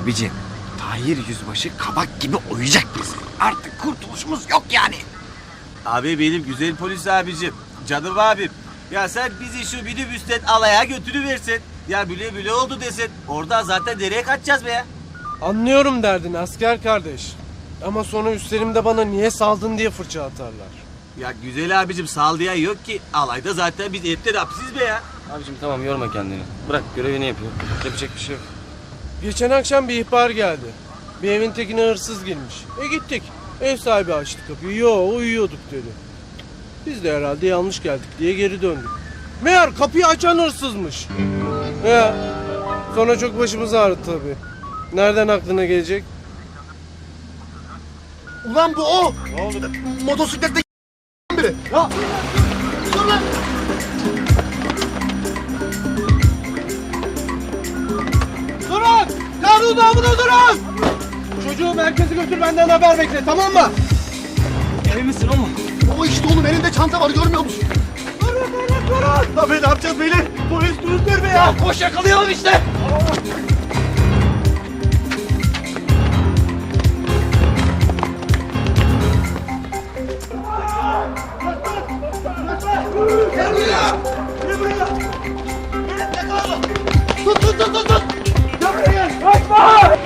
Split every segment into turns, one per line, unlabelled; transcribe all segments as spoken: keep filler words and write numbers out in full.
Abicim, Tahir Yüzbaşı kabak gibi oyacak bizi. Artık kurtuluşumuz yok yani.
Abi benim güzel polis abicim, canım abim. Ya sen bizi şu minibüsten alaya götürüversin. Ya bile bile oldu desin. Oradan zaten nereye kaçacağız be ya?
Anlıyorum derdini asker kardeş. Ama sonra üstlerimde bana niye saldın diye fırça atarlar.
Ya güzel abicim sal diye yok ki. Alayda zaten biz hepten hapsiz be ya.
Abicim tamam yorma kendini. Bırak görevini yapıyor. Yapacak bir şey yok.
Geçen akşam bir ihbar geldi. Bir evin tekine hırsız girmiş. E gittik. Ev sahibi açtı kapıyı. Yo uyuyorduk dedi. Biz de herhalde yanlış geldik diye geri döndük. Meğer kapıyı açan hırsızmış. Ya. Sonra çok başımız ağrıdı tabii. Nereden aklına gelecek?
Ulan bu o.
Ne oldu?
Motosiklette biri. Ya. Dur lan.
Durun! Kanun namına durun! Çocuğu merkeze götür benden haber bekle tamam mı?
Emin misin oğlum?
O işte oğlum elinde çanta var görmüyor musun?
Durun durun durun!
Abi ne yapacağız beyler? Polis durur be ya.
Koş yakalayalım işte.
Gel buraya. Gel buraya. Tut tut tut tut tut. Gel buraya gel. Kaçma.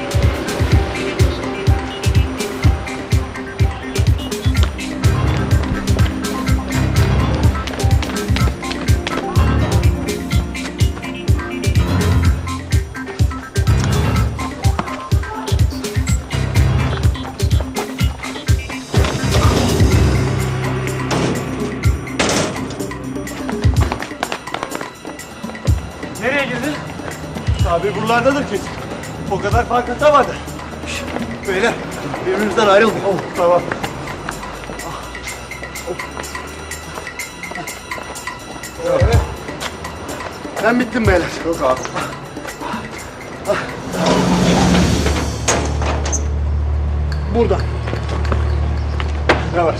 Nereye girdin?
Abi buralardadır kesin. O kadar fark atamadı. Beyler birbirimizden ayrıldık. Oh, tamam. Evet. Ben bittim beyler. Yok abi. Burada. Yavaş.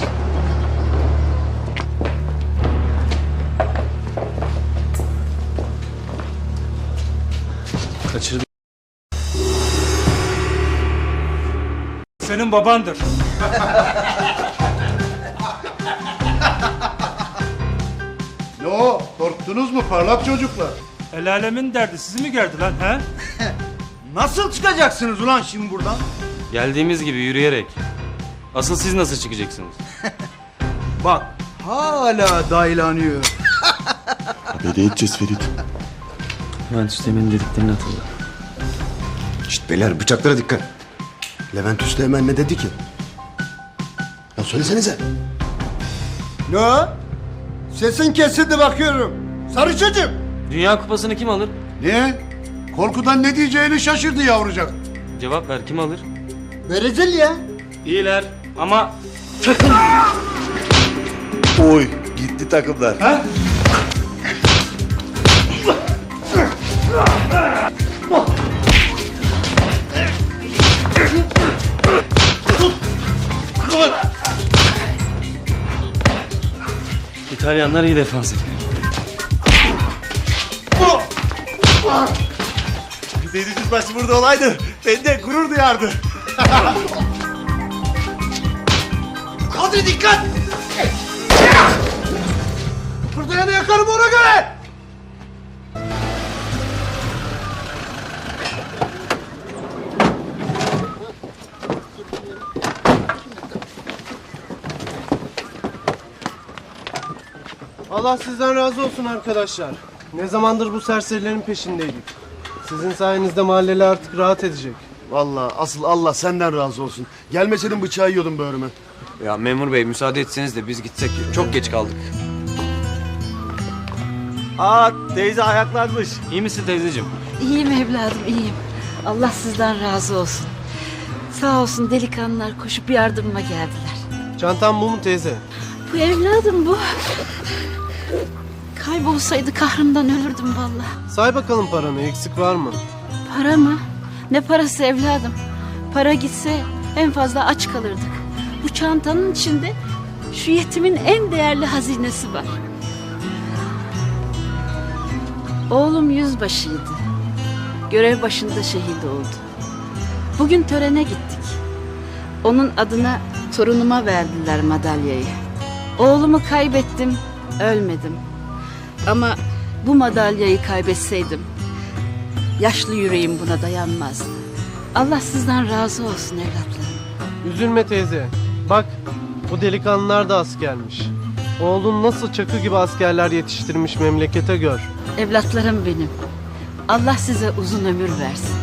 Kaçırdım.
Senin babandır.
Ne o? Korktunuz mu parlak çocuklar?
El alemin derdi sizi mi gerdi lan he?
Nasıl çıkacaksınız ulan şimdi buradan?
Geldiğimiz gibi yürüyerek. Asıl siz nasıl çıkacaksınız?
Bak hala daylanıyor.
Ne edeceğiz Ferit?
Levent Üsteğmen'in dediklerini hatırla.
Şşt beyler bıçaklara dikkat. Levent Üsteğmen ne dedi ki? Ya söylesenize.
Ne o? Sesin kesildi bakıyorum. Sarı çocuğum.
Dünya kupasını kim alır?
Niye? Korkudan ne diyeceğini şaşırdı yavrucak.
Cevap ver, kim alır?
Brezilya.
İyiler ama...
Oy gitti takımlar. Ha?
İtalyanlar iyi defans ediyor.
Deniz Yüzbaşı burada olaydı. Ben de gurur duyardı. Kadri dikkat! Burada yanı yakarım ona göre!
Allah sizden razı olsun arkadaşlar. Ne zamandır bu serserilerin peşindeydik. Sizin sayenizde mahalleli artık rahat edecek.
Vallahi asıl Allah senden razı olsun. Gelmeseydin bıçağı yiyordum böğrüme.
Ya memur bey müsaade etseniz de biz gitsek. Çok geç kaldık.
Aa teyze ayaklanmış.
İyi misin teyzeciğim?
İyiyim evladım, iyiyim. Allah sizden razı olsun. Sağ olsun delikanlılar koşup yardımıma geldiler.
Çantam bu mu teyze?
Bu evladım bu. Kaybolsaydı kahrımdan ölürdüm vallahi.
Say bakalım paranı, eksik var mı?
Para mı? Ne parası evladım? Para gitse en fazla aç kalırdık. Bu çantanın içinde şu yetimin en değerli hazinesi var. Oğlum yüzbaşıydı. Görev başında şehit oldu. Bugün törene gittik. Onun adına torunuma verdiler madalyayı. Oğlumu kaybettim, ölmedim. Ama bu madalyayı kaybetseydim, yaşlı yüreğim buna dayanmazdı. Allah sizden razı olsun evlatlarım.
Üzülme teyze. Bak bu delikanlılar da askermiş. Oğlun nasıl çakı gibi askerler yetiştirmiş memlekete gör.
Evlatlarım benim. Allah size uzun ömür versin.